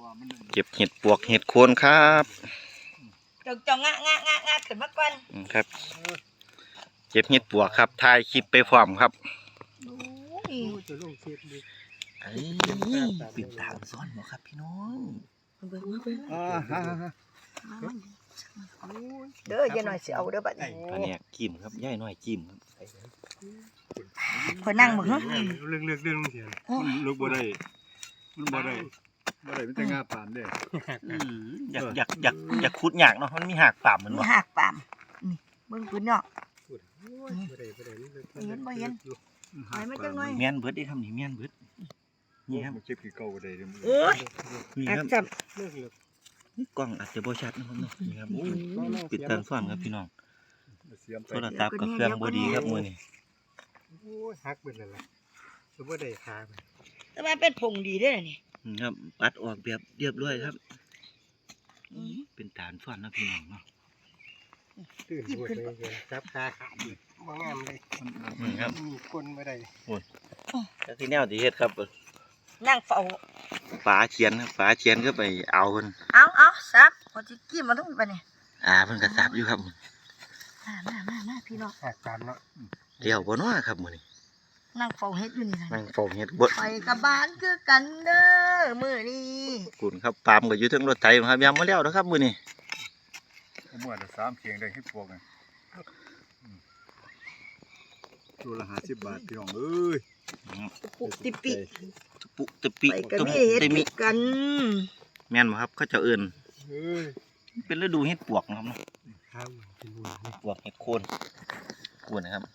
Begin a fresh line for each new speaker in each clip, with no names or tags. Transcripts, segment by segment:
เก็บเห็ดปวกเห็ดโคนครับ
จงงะขึ้นมาก่อน
ครับเก็บเห็ดปวกครับถ่ายคลิปไปพร้อมครับปิดตามซ้อนบ่ครับพี่น้อง
เด้อย่าหน่อยเสียวเด้อบัดนี้
อันนี้จิ้มครับย่ายน้อยจิ้มครับ
คอยนั่งมึงเ
รื่องเสียลูกบ่ได้มันบ่ได้มันจะงาปามเด้
อยากขุดยากเนาะมันมีหากปามเหมือน
บ่หากปามนี่เบิ่งพื้นเนาะเห็นบ่เห็นหอยมาจังหน่อย
เมียนเบิดได้ทำนี่เมียนเบิดนี่ครับ
เก็บกี่เก่าได้
โอ้ย
นี่ครับกล้องอาจจะบ่ชัดนะครับเนาะนี่ครับปิดตาซ้อนครับพี่น้องโทรศัพท์กับเครื่องบ่ดีครับมื้อนี้
โอ้ยฮักเบิดแล้วล่ะคือบ่ได้หา
แต่ว่าเป็นผงดีเด้อนี่
ครับปัดออกแบบเรียบร้อยครับเป็นฐานซ้อนนะพี่น้องเนาะ
ตื่นปวดเลยจับขาขาดบ่งามเลย
นี่ครับ
มีคนบ่ได้
โอ้ยแล้วที่แนวที่เฮ็ดครับ
นั่งเฝ้า
ฝาเขียนก็ไปเอาเพิ่น
เอาซับพอสิกี้มาทุกบัดนี้
เพิ่นก็ซับอยู่ครับ
มาพี่น้อง
หักตามเนาะ
เดี๋ยวบ่เนาะครับมื้อนี้
นั่งเฝ้าเฮ็ดอยู่นี่
นั่งเฝ้าเฮ็ดบ่
ไปกับบ้านคือกันเด้อมื้อนี้
คุณครับปามก็อยู่เทิงรถไถครับยังบ่แล้วเด้อครับมื้อนี้
มั่วแต่3เคียงได้เฮ็ดพวกนี่ตัวละ50 บาทพี่น้องเอ้ย
ปุติปิ
ไป
ก็มีเฮ็ดกัน
แม่นบ่ครับเขาเจ้าเอิ้นเป็นฤดูเฮ็ดปวกนะครับเนาะ
ครับเป็นบุญ
ปวกเฮ็ดโคนกวนนะครับ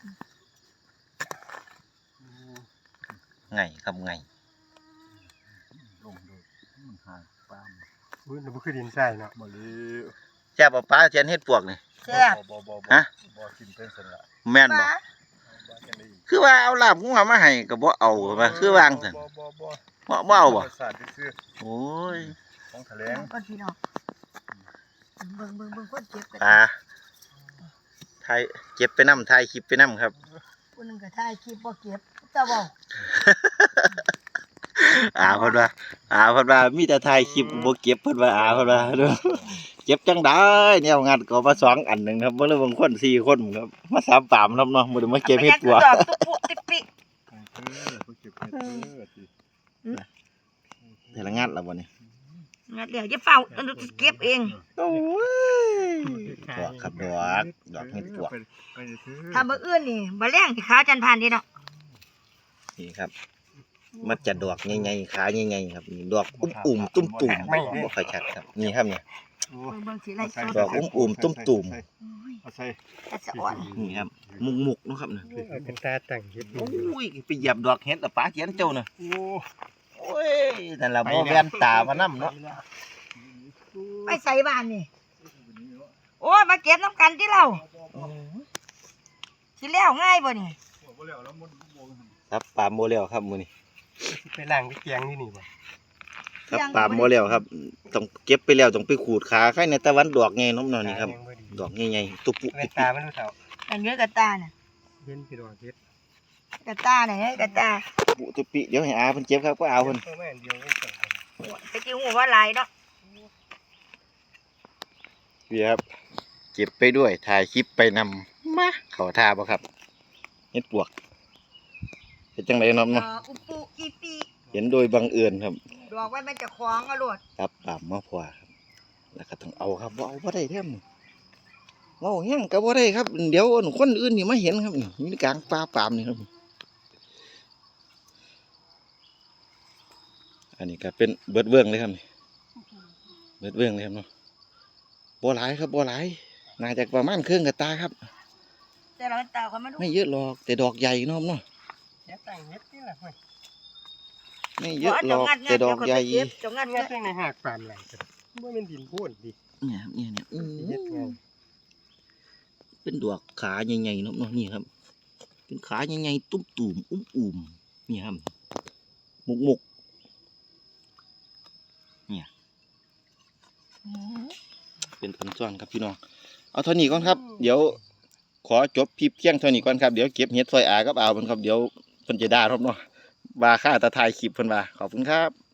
ไงครับไง
ลงดูมันหายปามมื้อนี้บ่คือดินทรายเนาะบ่เลย
แซ่บป้าเทียนเฮ็ดปวกนี่
แซ่บ
ฮะ
บ่กินเป็นซั่นล่ะ
แม่นบ่คือว่าเอาลาบงัวมาให้ก็บ่เอาว่าคือวางซั่นบ่เอาบ่โอ้ย
ของแถลง
ก่อนพี่น้องเบิ่งคนเก็บกัน
ถ่ายเก็บไปนำถ่ายคลิปไปนำครับ
ผู้นึงก็ถ่ายคลิปบ่เก็บเจ้าเว้า
เพิ่นว่ามีแต่ถ่ายคลิปบ่เก็บเพิ่นว่าเพิ่นว่าเก็บจังได๋แนวงัดก็มา2อันนึงครับบ่เลยบางคน4คนครับมา3ปามครับเนาะบ่ได้มาเก็บเฮ็ดปัว
ติปิ
แต่ละงัดแล้วบ่นี่
งัดเดี๋ยวจะเฝ้าเก็บเอง
โอ้ยดอกครับดอกเฮ็ดปัว
ถ้ามื้ออื่นนี่บ่แรงสิขาจันทร์ผ่านนี่เนาะ
นี่ครับมันจะดอกใหญ่ๆขาใหญ่ๆครับนี่ดอกอุ้มๆตุ้มๆบ่ค่อยชัดครับนี่ครับเนี่ยดอกอุ้มๆตุ้มๆนี่ครับมุกๆเนาะครับเนี่ย
เป็นตาแต่งเฮ็ด
โอ้ยไปเหยียบดอกเห็ดป้าเขียนเจ้าน่ะโอ้ยนั่นล่ะบ่แว่นตามานำเนาะ
ไปใส่บ้านนี่โอ้ยมาเก็บน้ำกันที่เราสิแล้วง่ายบ่นี่
ครับปามโมแล้วครับมื้อนี้
ไปล้างไปเกียงนี่บ่
ครับปามโมแล้วครับต้องเก็บไปแล้วต้องไปขูดขาไข่ในตะวันดอกไงน้ำนอนนี่ครับดอกใหญ่ๆตุปุ
ตามันรู้เท่า
อันนี้กระตาน่ะ
เห็นพี่ดอกเฮ็ด
กระตาไหนกระตา
ปุตุปิเดี๋ยวให้เพิ่นเก็บครับก็เอาเพิ่น
ไปจิ้วหัวว่าลายเนาะ
พี่ครับเก็บไปด้วยถ่ายคลิปไปนำมาเขาท่าบ่ครับเฮ็ดปวกเป็นจังไดเนาะ
อุปุอีปี
เห็นโดยบังเอิญครับ
ดอกไว้มันจะคล้องเอาโลด
ครับปามมาพอครับแล้วก็ต้องเอาครับบ่เอาบ่ได้แท้มื้อเว้าแฮงก็บ่ได้ครับเดี๋ยวคนอื่นนี่มาเห็นครับนี่อยู่กลางป่าปามนี่ครับอันนี้ก็เป็นเบิดเบื้องเลยครับนี่เบิดเบื้องเลยครับเนาะบ่หลายครับบ่หลายน่าจะประมาณครึ่งกระตาครับ
แต่เราตาเขา
ไม่เยอะหรอกแต่ดอกใหญ่เนาะเนาะไม่เยอะหรอกแต่ดอกใหญ่
จงงัดเ
ในหากปามไหลบ่แม่นดินโพนดิ
เนี่ยเป็นดอกขาใหญ่ๆเนาะนี่ครับเป็นขาใหญ่ๆตุ้มๆอุ้มๆนี่ครับมุกเนี่ยเป็นพันซ้อนครับพี่น้องเอาเท่านี้ก่อนครับเดี๋ยวขอจบคลิปเที่ยงเท่านี้ก่อนครับเดี๋ยวเก็บเห็ดซอยกับเอาเพิ่นครับเดี๋ยวเพิ่นจะด่าครับเนาะว่าค่าตะไทยคลิปเพิ่นว่าขอบคุณครับ